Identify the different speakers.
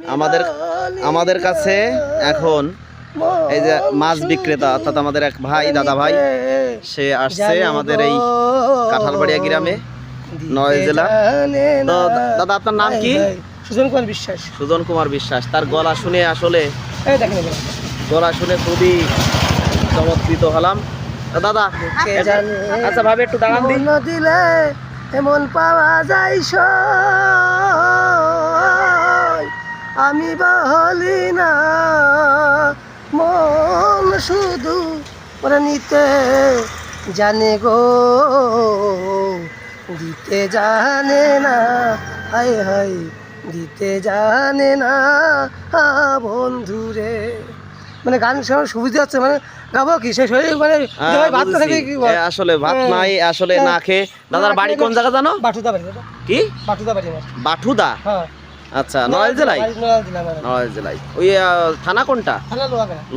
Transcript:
Speaker 1: আমাদের কাছে এখন এই যে মাছ বিক্রেতা অর্থাৎ আমাদের এক ভাই দাদা ভাই সে আসছে আমাদের এই কাঁঠালবাড়িয়া গ্রামে নয় জেলা। তো দাদা আপনার নাম কি?
Speaker 2: সুজন কুমার বিশ্বাস।
Speaker 1: সুজন কুমার বিশ্বাস। তার গলা শুনে আসলে গলা শুনে খুবই চমৎকৃত হলাম। দাদা আচ্ছা ভাবে একটু দাঁড়ান
Speaker 2: দিলে এমন পাওয়া যায় আমি বলি না মন শুধু ওরা নিতে জানে গো দিতে জানে না হায় হায় দিতে জানে না বন্ধুরে। মানে গান শোনার সুবিধা হচ্ছে মানে গাবো কি সেই শরীর মানে ভাত না থাকে কি
Speaker 1: আসলে ভাত নাই আসলে না খেয়ে। দাদার বাড়ি কোন জায়গা জানো?
Speaker 2: বাটুদা বাড়ি।
Speaker 1: কি
Speaker 2: বাটুদা বাড়ি?
Speaker 1: বাটুদা।
Speaker 2: হ্যাঁ
Speaker 1: আচ্ছা নড়াইল জেলায়। নড়াইল জেলায় ওই থানা কোনটা?
Speaker 2: থানা লোহাগাড়া।